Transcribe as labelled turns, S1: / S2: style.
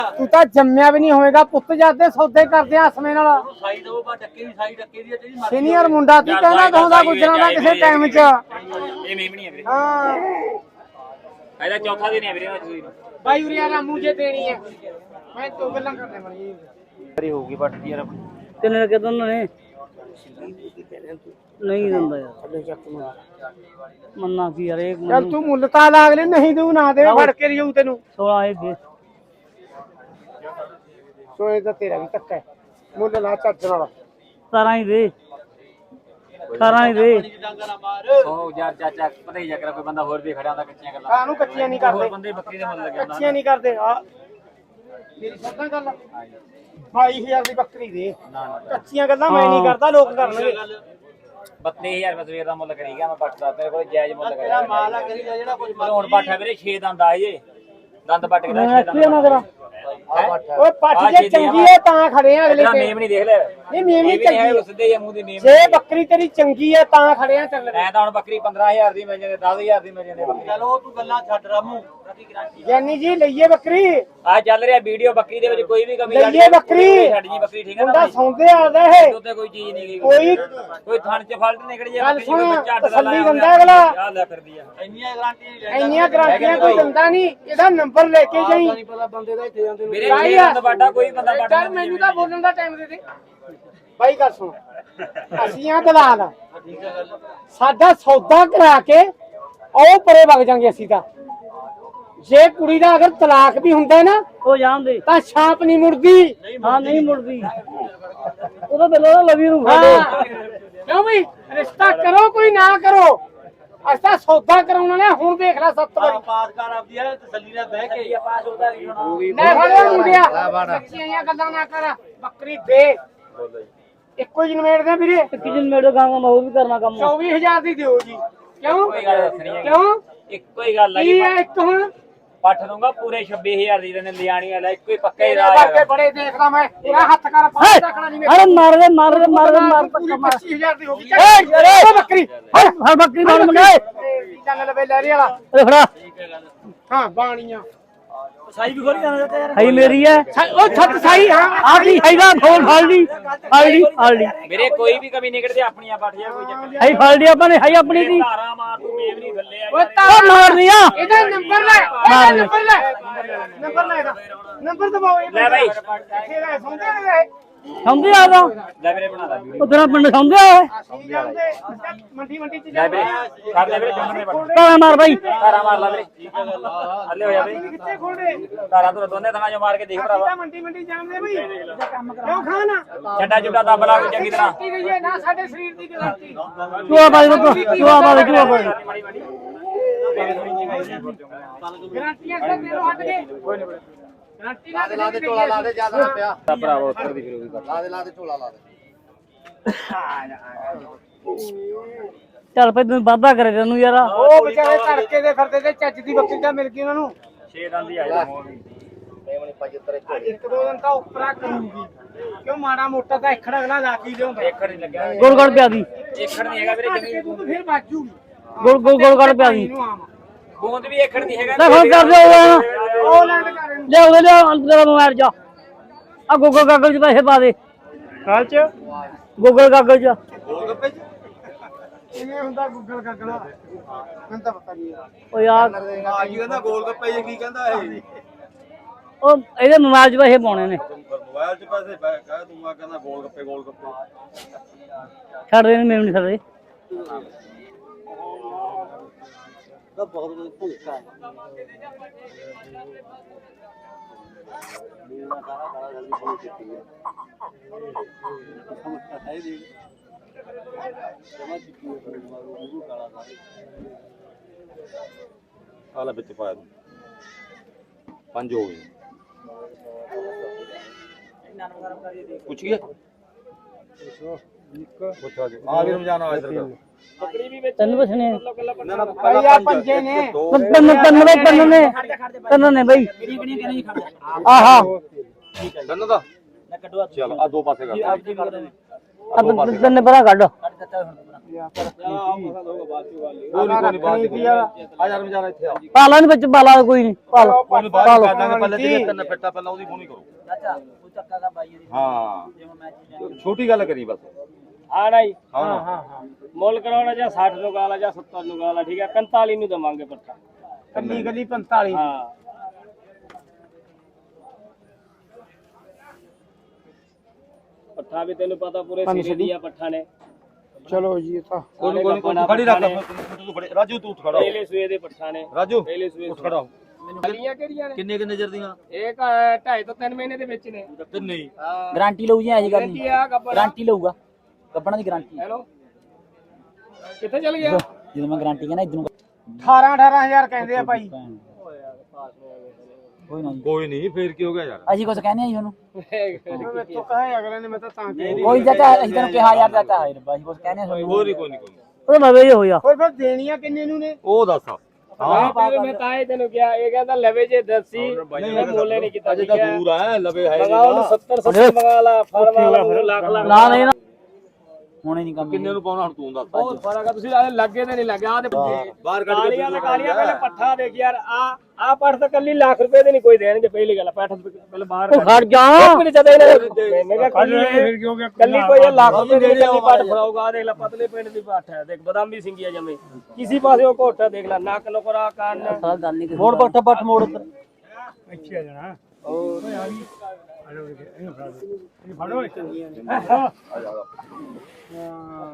S1: ਤੂੰ ਤਾਂ ਜੰਮਿਆ ਵੀ ਨਹੀਂ ਹੋਵੇਗਾ ਪੁੱਤ ਜਾਂਦੇ ਸੌਦੇ ਕਰਦੇ ਆਸਮੇ ਨਾਲ
S2: ਸਾਈ ਦੋ ਬਾ ਟੱਕੇ ਦੀ ਸਾਈ ਟੱਕੇ ਦੀ ਜਿਹੜੀ ਮਰਜ਼ੀ
S1: ਸੀਨੀਅਰ ਮੁੰਡਾ ਤੂੰ ਕਹਿੰਦਾ ਕਹਉਂਦਾ ਗੁਜਰਾਂ ਦਾ ਕਿਸੇ ਟਾਈਮ 'ਚ
S3: ਇਹ ਮੇਮਣੀ ਹੈ ਵੀਰੇ
S1: ਹਾਂ
S3: ਇਹਦਾ ਚੌਥਾ ਦਿਨ ਹੈ ਵੀਰੇ ਸੂਈ ਨੂੰ
S1: ਬਾਈ ਉਰੀਆ ਰਾਮੂ ਜੇ ਦੇਣੀ ਹੈ ਮੈਂ ਤੋ ਗੱਲਾਂ ਕਰਨੇ ਮਰੀ
S3: ਕਰੀ ਹੋਊਗੀ ਬੱਟ ਦੀ ਯਾਰ
S4: ਕਿੰਨੇ ਕਿ ਦੋਨੋਂ ਨੇ ਨਹੀਂ ਦਿੰਦਾ ਯਾਰ ਮੰਨਾ ਕੀ ਯਾਰ ਇੱਕ
S1: ਚੱਲ ਤੂੰ ਮੁੱਲ ਤਾਂ ਲਾ ਅਗਲੇ ਨਹੀਂ ਦੂ ਨਾ ਦੇ ਫੜ ਕੇ ਲਿਆਉ ਤੈਨੂੰ
S4: 16 ਇਹ ਦੇ
S1: ਸੋਏ ਦਾ ਤੇਰਾ ਵੀ ਧੱਕਾ ਹੈ ਮੁੱਲ ਲਾ ਚੱਜ ਨਾਲ
S4: 17 ਹੀ ਦੇ 18 ਹੀ ਦੇ
S3: ਉਹ ਯਾਰ ਚਾਚਾ ਪਤਾ ਹੀ ਜਾ ਕੋਈ ਬੰਦਾ ਹੋਰ ਵੀ ਖੜਿਆ ਹੁੰਦਾ ਕੱਚੀਆਂ ਗੱਲਾਂ
S1: ਕਾਹਨੂੰ ਕੱਚੀਆਂ ਨਹੀਂ ਕਰਦੇ
S3: ਬੰਦੇ ਬੱਕਰੀ ਦੇ ਮੁੱਲ ਲੱਗਿਆ
S1: ਕੱਚੀਆਂ ਨਹੀਂ ਕਰਦੇ ਆ ਮੇਰੀ ਸੱਦਾਂ ਗੱਲ 22000 ਦੀ ਬੱਕਰੀ ਦੇ ਕੱਚੀਆਂ ਗੱਲਾਂ ਮੈਂ ਨਹੀਂ ਕਰਦਾ ਲੋਕ ਕਰਨਗੇ
S3: 32000 ਰੁਪਏ ਸਵੇਰ ਦਾ ਮੁੱਲ ਕਰੀ ਗਿਆ ਮੈਂ ਪੱਟ ਦਾ ਤੇਰੇ ਕੋਲ ਜਾਇਜ਼ ਮੁੱਲ ਕਰਿਆ
S2: ਤੇਰਾ ਮਾਲ ਆ ਕਰੀ ਜਿਹੜਾ ਕੁਝ
S3: ਹੁਣ ਪੱਟ ਹੈ ਵੀਰੇ 6 ਦੰਦ ਆ ਜੇ ਦੰਦ ਪੱਟ ਕੇ ਦਾ 6 ਦੰਦ
S4: ਨਾ ਕਰਾਂ
S1: ਓਏ ਪੱਠ ਜੇ ਚੰਗੀ ਹੈ ਤਾਂ ਖੜੇ ਆ ਅਗਲੇ
S3: ਤੇਰਾ
S1: ਤੇ
S3: ਮੇਮ ਨਹੀਂ ਦੇਖ ਲੈ
S1: ਨਹੀਂ ਮੇਮ ਨਹੀਂ
S3: ਇਹ ਵੀ ਨਹੀਂ ਹੈ
S1: ਚੰਗੀ
S3: ਸਿੱਧੇ ਜਿਹੇ ਮੂੰਹ ਦੀ ਮੇਮ
S1: ਜੇ ਬੱਕਰੀ ਤੇਰੀ ਚੰਗੀ ਹੈ ਤਾਂ ਖੜੇ ਆ ਚੱਲ
S3: ਐ ਤਾਂ ਹੁਣ ਬੱਕਰੀ 15000 ਦੀ ਮਿਲ ਜਾਂਦੇ 10000 ਦੀ ਮਿਲ ਜਾਂਦੇ ਬੱਕਰੀ
S2: ਚਲੋ ਤੂੰ ਗੱਲਾਂ ਛੱਡ ਰਾਮੂ ਰਤੀ ਗਰੰਟੀ
S1: ਗਿਆਨੀ ਜੀ ਲਈਏ ਬੱਕਰੀ
S3: ਆ ਚੱਲ ਰਿਹਾ ਵੀਡੀਓ ਬੱਕਰੀ ਦੇ ਵਿੱਚ ਕੋਈ ਵੀ ਕਮੀ
S1: ਲਈਏ ਬੱਕਰੀ
S3: ਛੱਡ ਜੀ ਬੱਕਰੀ ਠੀਕ ਹੈ
S1: ਮੁੰਡਾ
S3: ਨਾ
S1: ਸੌਂਦੇ ਆਦਾ ਇਹ
S3: ਉੱਤੇ ਕੋਈ ਚੀਜ਼ ਨਹੀਂ ਗਈ
S1: ਕੋਈ
S3: ਥਣ ਚ ਫਲਟ ਨਿਕਲ ਜੇ
S1: ਗੱਲ
S3: ਬੱਕਰੀ
S1: ਸੁਣ,
S3: ਕੋਈ ਬੱਚਾ ਅੱਡ ਦਾ
S1: ਤਸੱਲੀ
S3: ਲਾਇਆ
S1: ਦਿੰਦਾ ਅਗਲਾ।
S3: ਆ ਲੈ ਫਿਰਦੀ ਆ
S2: ਇੰਨੀਆਂ ਗਰੰਟੀ
S1: ਇੰਨੀਆਂ ਗਰੰਟੀਆਂ ਕੋਈ ਦਿੰਦਾ ਨਹੀਂ ਇਹਦਾ ਨੰਬਰ ਲੈ ਕੇ ਜਾਈ
S2: ਨਹੀਂ ਪਤਾ ਬੰਦੇ ਦਾ ਇੱਥੇ ਜਾਂਦੇ ਨੂੰ
S3: ਮੇਰੇ ਬੰਦ ਬਾਟਾ ਕੋਈ ਬੰਦਾ ਬਾਟਾ
S1: ਚੱਲ ਮੈਨੂੰ ਤਾਂ ਬੋਲਣ ਦਾ ਟਾਈਮ ਦੇ ਦੇ ਬਾਈ ਗੱਲ ਸੁਣ ਅਸੀਂ ਆ ਦਲਾਲ ਸਾਡਾ ਸੌਦਾ ਕਰਾ ਕੇ ਉਹ ਪਰੇ ਵਗ ਜਾਾਂਗੇ ਅਸੀਂ ਤਾਂ ਜੇ ਕੁੜੀ ਦਾ ਅਗਰ ਤਲਾਕ ਵੀ ਹੁੰਦਾ ਨਾ
S4: ਉਹ ਜਾਣਦੇ
S1: ਤਾਂ ਛਾਪ ਨਹੀਂ ਮੁੜਦੀ
S4: ਹਾਂ ਨਹੀਂ ਮੁੜਦੀ ਉਹਦਾ ਬਿੱਲੋ ਲਵੀ ਨੂੰ
S1: ਹਾਂ ਕਿਉਂ ਬਈ ਰਿਸ਼ਤਾ ਕਰੋ ਕੋਈ ਨਾ ਕਰੋ ਅਸਾਂ ਸੌਦਾ ਕਰਾਉਣ ਵਾਲੇ ਹੁਣ ਦੇਖ ਲੈ 7 ਵਾਰੀ
S2: ਪਾਸ ਕਰ ਆਪਦੀ ਹੈ ਤਸੱਲੀ ਨਾਲ ਬਹਿ ਕੇ ਪਾਸ ਹੁੰਦਾ ਨਹੀਂ ਹੁਣ
S1: ਲੈ ਫੜੋ ਮੁੰਡਿਆ ਸੱਚੀਆਂ ਗੱਲਾਂ ਨਾ ਕਰ ਬੱਕਰੀ ਦੇ ਇੱਕੋ ਹੀ ਨਵੇੜਦੇ ਵੀਰੇ
S4: ਕਿਜਨ ਮੇੜੇ ਗਾਂਗਾ ਮੈਂ ਉਹ ਵੀ ਕਰਨਾ ਕੰਮ
S1: 24000 ਦੀ ਦਿਓ ਜੀ ਕਿਉਂ
S3: ਕੋਈ ਗੱਲ ਦੱਸਣੀ ਹੈ
S1: ਕਿਉਂ
S3: ਇੱਕੋ ਹੀ ਗੱਲ ਆ
S1: ਕੀ
S3: ਜੀ
S1: ਹੈ ਇੱਕ ਹੁਣ
S3: ਪੱਠ ਦੂੰਗਾ ਪੂਰੇ 26000 ਦੀ ਨੇ ਲਿਆਣੀ ਵਾਲਾ ਇੱਕੋ ਹੀ ਪੱਕਾ ਹੀ
S1: ਤੇਰੇ
S3: ਰਾਜ
S1: ਵਰਗੇ
S3: ਹੈਗਾ
S1: ਬੜੇ ਦੇਖਦਾ ਮੈਂ ਪੂਰਾ ਹੱਥ ਕਰ ਪਾਸ ਰੱਖਣਾ ਨਹੀਂ
S4: ਅਰੇ ਮਾਰ ਦੇ ਮਾਰ ਦੇ ਮਾਰ ਦੇ ਮਾਰ
S1: ਪੂਰੀ 25000 ਦੀ ਹੋ ਗਈ
S4: ਏ
S1: ਬੱਕਰੀ
S4: ਹਾਂ ਬੱਕਰੀ ਮਾਰ ਮੁੰਡੇ
S1: ਜੰਗ ਲਵੇ ਲੈਰੀ ਵਾਲਾ
S4: ਏ ਫੜਾ
S1: ਹਾਂ ਬਾਣੀਆਂ
S2: ਸਾਈ ਵੀ ਖੋਲੀ ਜਾਂਦਾ ਤੇ ਯਾਰ
S4: ਹਾਈ ਮੇਰੀ ਹੈ
S1: ਉਹ ਛੱਤ ਸਾਈ ਹਾਂ
S4: ਆ ਕੀ ਹੈਗਾ ਫੋਨ ਫੜ ਲਈ ਫੜ ਲਈ
S3: ਮੇਰੇ ਕੋਈ ਵੀ ਕਮੀ ਨਿਕਲਦੀ ਆਪਣੀਆਂ ਪੱਠ ਜਾ ਕੋਈ ਚੱਕਰ
S4: ਹਾਈ ਫੜ ਲਈ ਆਪਾਂ ਨੇ ਹਾਈ ਆਪਣੀ ਦੀ
S3: ਧਾਰਾ ਮਾਰ ਤੂੰ ਮੇਮ ਨਹੀਂ ਥੱਲੇ ਆ
S1: ਓਏ
S4: ਉਹ ਮਾਰਨੀ ਆ
S1: ਇਹਦਾ ਨੰਬਰ ਲੈ ਇਹਦਾ ਨੰਬਰ ਲੈ ਇਹਦਾ ਨੰਬਰ ਦਬਾਓ
S3: ਲੈ ਬਾਈ।
S1: ਤੇਰਾ ਸੌਂਦੇ ਨੇ
S4: ਸਮਝੇ ਆਦਾ
S3: ਲੈ ਵੀਰੇ ਬਣਾ ਲੈ ਵੀਡੀਓ
S4: ਉਧਰ ਪਿੰਡ ਸਮਝਿਆ ਓਏ
S1: ਅਸੀਂ ਜਾਂਦੇ ਮੰਡੀ ਮੰਡੀ ਚ
S3: ਲੈ ਵੀਰੇ ਕਰ ਲੈ ਵੀਰੇ ਜੰਮਣੇ ਪੱਠ
S4: ਤਾਲਾ ਮਾਰ ਬਾਈ
S3: ਧਾਰਾ ਮਾਰ ਲੈ ਵੀਰੇ ਹੱਲੇ ਹੋ ਜਾ ਬਈ
S1: ਕਿੱਥੇ ਖੋਲਦੇ
S3: ਧਾਰਾ ਤੋਂ ਦੋਨੇ ਥਾਂ ਜੋ ਮਾਰ ਕੇ ਦੇਖ
S1: ਅਸੀਂ
S3: ਭਰਾਵਾ
S1: ਤਾਂ ਮੰਡੀ ਮੰਡੀ ਜਾਂਦੇ ਬਈ ਕਿਉਂ ਖਾਣਾ
S3: ਛੱਡਾ ਜੁੱਡਾ ਦੱਬ ਲਾ ਕੋਈ ਚੰਗੀ ਤਰ੍ਹਾਂ
S1: ਕੀ ਗਈ ਹੈ ਨਾ ਸਾਡੇ ਸਰੀਰ ਦੀ ਗਾਰੰਟੀ
S4: ਚੂਆ ਬਾਈ ਚੂਆ ਬਾਈ
S1: ਗਾਰੰਟੀਆਂ ਸਰ ਦੇ ਲੋ ਹਟ ਕੇ ਗਾਰੰਟੀ ਨਾ
S2: ਲਾ ਦੇ ਝੋਲਾ ਲਾ ਦੇ ਜਿਆਦਾ ਪਿਆ
S3: ਭਰਾਵਾ ਉੱਤਰ ਦੀ ਫਿਰ ਉਹ ਵੀ ਕਰ
S2: ਲਾ ਦੇ ਝੋਲਾ ਲਾ ਦੇ
S4: ਚੱਲ ਪੈ ਤੂੰ ਵਾਦਾ ਕਰੇ ਤੈਨੂੰ ਯਾਰ
S1: ਉਹ ਵਿਚਾਰੇ ਤੜਕੇ ਦੇ ਫਿਰਦੇ ਤੇ ਚੱਜ ਦੀ ਬੱਕਰੀ ਤਾਂ ਮਿਲ ਗਈ ਉਹਨਾਂ ਨੂੰ
S3: 6 ਦੰਦ ਹੀ ਆ ਜਾ ਮੋਹ ਵੀ
S2: ਮੇਮਣੀ ਪਾਈ ਉੱਤਰ
S1: ਇੱਕ ਦੋ ਦਿਨ ਤਾਂ ਉੱਪਰਾ ਕਰੂਗੀ ਕਿਉਂ ਮਾੜਾ ਮੋਟਾ ਤਾਂ ਇਖੜ ਅਗਲਾ ਲਾ ਕੇ ਲਿਆਉਂਦਾ
S3: ਏਕੜ ਨਹੀਂ ਲੱਗਿਆ
S4: ਗੋਲ ਗੋਲ ਪਿਆ ਦੀ
S3: ਏਕੜ ਨਹੀਂ ਹੈਗਾ ਵੀਰੇ ਜ਼ਮੀਨ
S1: ਤੂੰ ਫਿਰ ਬਾਜੂਗੀ
S4: ਗੋਲ ਗੋਲ ਪਿਆ ਦੀ
S1: ਇਹਨੂੰ ਆਮ
S3: ਬੂੰਦ ਵੀ ਏਕੜ ਨਹੀਂ ਹੈਗਾ
S4: ਲੈ ਫੋਨ ਕਰ ਦੇ
S1: ਉਹ ਲੈਂਡ ਕਰ ਇਹਨੂੰ
S4: ਲੈ ਉਹਦੇ ਲੈ ਅੰਦਰ ਮੋਬਾਈਲ ਜਾ ਆ ਗੂਗਲ ਕਾਗਲ ਚ ਪੈਸੇ ਪਾ ਦੇ
S1: ਕਾਲ ਚ
S4: ਗੂਗਲ ਕਾਗਲ ਚ
S1: ਕਿਵੇਂ ਹੁੰਦਾ ਗੂਗਲ ਕੱਗਲਾ ਮੈਨੂੰ ਤਾਂ ਪਤਾ ਨਹੀਂ
S4: ਉਹ ਯਾਰ
S2: ਆ ਕੀ ਕਹਿੰਦਾ ਗੋਲ ਗੱਪੇ ਜੇ ਕੀ ਕਹਿੰਦਾ ਇਹ
S4: ਉਹ ਇਹਦੇ ਮੋਬਾਈਲ ਚ ਪੈਸੇ ਪਾਉਣੇ ਨੇ
S2: ਮੋਬਾਈਲ 'ਚ ਪੈਸੇ ਕਹਿ ਤੂੰ ਆ ਕਹਿੰਦਾ ਗੋਲ ਗੱਪੇ
S4: ਛੱਡ ਦੇ ਮੈਨੂੰ ਨਹੀਂ ਛੱਡਦੇ
S2: ਤਾਂ ਬਹੁਤ ਭੁੱਖਾ ਹੈ
S5: ਆਲਾ ਵਿੱਚ ਪਾਇਆ ਤੂੰ 5 ਹੋ ਗਏ ਪੁੱਛ ਗਿਆ ਪੁੱਛਾ ਜੀ ਆ ਵੀ ਰਮਜ਼ਾਨ ਆ ਇਧਰ
S4: ਤੈਨੂੰ ਪੁੱਛਣੇ
S1: ਭਾਈ ਆ ਪੰਜੇ ਨੇ
S4: ਤੈਨੂੰ ਨੇ ਬਈ ਆਹਾ
S5: ਦੰਨ ਦਾ ਚਲ ਆ ਦੋ ਪਾਸੇ ਕਰ
S4: ਤਿੰਨ ਪਰਾਂ ਕੱਢ
S5: ਕੋਈ ਨਹੀਂ ਆ ਯਾਰ ਮਜਾਰਾ ਇੱਥੇ ਆ
S4: ਪਾਲਾ ਨੀ ਵਿੱਚ ਪਾਲਾ ਕੋਈ ਨਹੀਂ ਪਾਲਾ
S5: ਕੋਈ ਬਾਤ ਕਰ ਦਾਂਗੇ ਪਹਿਲੇ ਜਿਹੜੇ ਤਿੰਨ ਫਿੱਟਾ ਪਹਿਲਾਂ ਉਹਦੀ ਬੋਣੀ ਕਰੋ
S2: ਚਾਚਾ ਉਹ ਚੱਕਾ ਦਾ ਬਾਈ ਦੀ
S5: ਹਾਂ
S2: ਜਿਵੇਂ ਮੈਚ
S5: ਛੋਟੀ ਗੱਲ ਕਰੀ ਬਸ
S6: ਹਾਂ ਨਹੀਂ
S5: ਹਾਂ
S6: ਮੁੱਲ ਕਰਾਉਣਾ ਜਾਂ 60 ਨੂੰ ਗਾਲਾ ਜਾਂ 70 ਨੂੰ ਗਾਲਾ ਠੀਕ ਹੈ 45 ਨੂੰ ਦਵਾਂਗੇ ਪੱਠਾ
S1: ਕੱਲੀ ਕੱਲੀ 45
S6: ਹਾਂ ਪੱਠਾ ਵੀ ਤੈਨੂੰ ਪਤਾ ਪੂਰੇ ਸਿਰੇ ਦੀ ਆ ਪੱਠਾ ਨੇ
S1: ਚਲੋ ਜੀ ਇਹ ਤਾਂ
S5: ਕੋਈ ਨਹੀਂ ਖੜੀ ਰੱਖ ਤੂੰ ਖੜੇ ਰਾਜੂ ਤੂੰ ਉੱਠ ਖੜਾ ਹੋ।
S6: ਪਹਿਲੇ ਸੂਏ ਦੇ ਪੱਠਾ ਨੇ
S5: ਰਾਜੂ
S6: ਪਹਿਲੇ ਸੂਏ
S5: ਉੱਠ ਖੜਾ ਹੋ।
S6: ਗਲੀਆਂ ਕਿਹੜੀਆਂ ਨੇ
S5: ਕਿੰਨੇ ਕਿੰਨੇ ਚਿਰ ਦੀਆਂ
S6: ਇੱਕ 2.5 ਤੋਂ 3 ਮਹੀਨੇ ਦੇ ਵਿੱਚ ਨੇ
S5: ਤਿੰਨੇ ਹੀ
S2: ਗਾਰੰਟੀ ਲਊ ਜੀ ਐਸੀ ਗੱਲ ਨਹੀਂ
S6: ਆ ਗੱਬੜ
S2: ਗਾਰੰਟੀ ਲਊਗਾ ਕੱਪੜਾਂ ਦੀ ਗਾਰੰਟੀ
S6: ਹੈਲੋ ਕਿੱਥੇ ਚਲ ਗਿਆ
S2: ਜਦੋਂ ਮੈਂ ਗਾਰੰਟੀ ਕਹਿੰਦਾ ਇਧਰੋਂ
S1: 18000 ਕਹਿੰਦੇ ਆ ਭਾਈ
S2: ਕੋਈ ਨਾ ਜੀ
S5: ਕੋਈ ਨਹੀਂ ਫੇਰ ਕੀ ਹੋ ਗਿਆ ਯਾਰ
S2: ਅਸੀਂ ਕੁਝ ਕਹਿੰਦੇ ਆ ਜੀ ਉਹਨੂੰ
S1: ਮੈਂ ਤੋਂ ਕਹੇ ਅਗਲੇ ਨੇ ਮੈਂ ਤਾਂ ਕਹਿੰਦੀ
S2: ਕੋਈ ਚਾਚਾ ਅਸੀਂ ਤੈਨੂੰ ਕਿਹਾ ਯਾਰ ਚਾਚਾ ਹਾਏ ਰੱਬਾ ਅਸੀਂ ਕੁਝ ਕਹਿੰਦੇ ਆ ਤੁਹਾਨੂੰ
S5: ਕੋਈ ਨਹੀਂ
S4: ਉਹ ਨਵੇਂ ਜੇ ਹੋਇਆ
S1: ਹੋਰ ਫਿਰ ਦੇਣੀਆਂ ਕਿੰਨੇ ਨੂੰ ਨੇ
S5: ਉਹ ਦੱਸ
S6: ਮੈਂ ਤਾਂ ਹੀ ਤੈਨੂੰ ਕਿਹਾ ਇਹ ਕਹਿੰਦਾ ਲਵੇ ਜੇ ਦੱਸੀ ਮੈਂ ਮੋਲੇ ਨਹੀਂ ਕੀਤਾ
S5: ਅਜੇ ਤਾਂ ਦੂਰ ਆ ਲਵੇ ਹੈ
S6: ਮੰਗਾ ਉਹਨੂੰ 70 70 ਮੰਗਾ ਲਾ ਫੜ ਵਾਲਾ ਲੱਖ ਲੱਖ
S4: ਨਾ ਨਹੀਂ ਨਾ
S2: ਹੁਣੇ ਨਹੀਂ ਕੰਮ
S5: ਕਿੰਨੇ ਨੂੰ ਪਾਉਣਾ ਹੁਣ ਤੂੰ ਦੱਸ
S6: ਬਹੁਤ ਫਰਕ ਆ ਤੁਸੀਂ ਆਲੇ ਲੱਗੇ ਤੇ ਨਹੀਂ ਲੱਗਿਆ ਆ ਤੇ
S5: ਬਾਹਰ ਕੱਢ ਕੇ
S6: ਕਾਲੀਆਂ ਤੇ ਕਾਲੀਆਂ ਪਹਿਲੇ ਪੱਠਾ ਦੇਖ ਯਾਰ ਆ ਪੱਠ ਤਾਂ ਕੱਲੀ ਲੱਖ ਰੁਪਏ ਦੇ ਨਹੀਂ ਕੋਈ ਦੇਣਗੇ ਪਹਿਲੀ ਗੱਲ ਪੱਠ ਪਹਿਲੇ ਬਾਹਰ
S4: ਖੜ ਜਾ
S6: ਕੱਲੀ ਕੋਈ ਲੱਖ ਰੁਪਏ ਦੀ ਕੱਲੀ ਪੱਠ ਫੜਾਊਗਾ ਆ ਦੇਖ ਲੈ ਪਤਲੇ ਪਿੰਡ ਦੀ ਪੱਠ ਹੈ ਦੇਖ ਬਦਾਮੀ ਸਿੰਗੀਆ ਜਮੇ ਕਿਸੇ ਪਾਸੇ ਉਹ ਘੋਟਾ ਦੇਖ ਲੈ ਨੱਕ ਨੁਕਰਾ ਕੰਨ
S4: ਸਾਲ ਗੱਲ ਨਹੀਂ
S2: ਮੋੜ ਪੱਠ ਮੋੜ ਉੱਧਰ
S1: ਇੱਥੇ ਆ ਜਾਣਾ ਹੋਰ ਆ ਗਈ ਇਹਨੂੰ ਫੜੋ ਇਹਨੂੰ ਫੜੋ